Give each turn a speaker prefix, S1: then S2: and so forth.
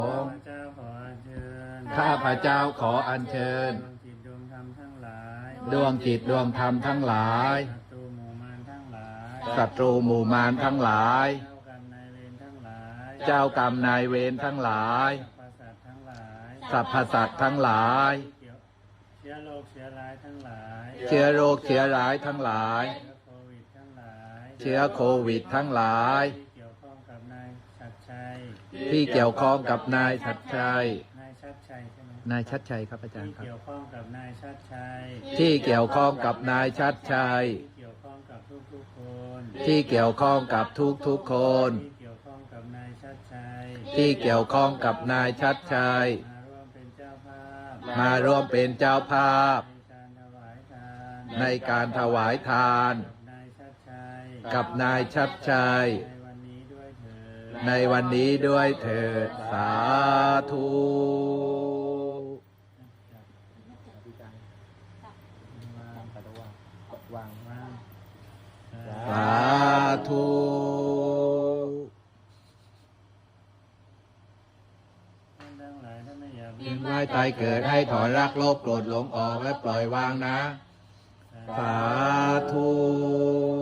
S1: ข้าพเจ้าขออัญเชิญดวงจิตดวงธรรมทั้งหลายศัตรูหมู่มารทั้งหลายเจ้ากรรมนายเวรทั้งหลายสรรพสัตว์ทั้งหลายเชื้อโรคเชื้อร้ายทั้งหลายเชื้อโรคเชื้อร้ายทั้งหลายเชื้อโควิดทั้งหลายที่เกี่ยวข้องกับนายชัดชัยนายชัดชัยครับอาจารย์ครับที่เกี่ยวข้องกับนายชัดชัยที่เกี่ยวข้องกับนายชัดชัยที่เกี่ยวข้องกับทุกคนที่เกี่ยวข้องกับนายชัดชัยมาร่วมเป็นเจ้าภาพในการถวายทานกับนายชัดชัยในวันนี้ด้วยเถิดสาธุสาธุยินไว้ตายเกิดให้ถอนรักโลภโกรธหลงออกและปล่อยวางนะสาธุ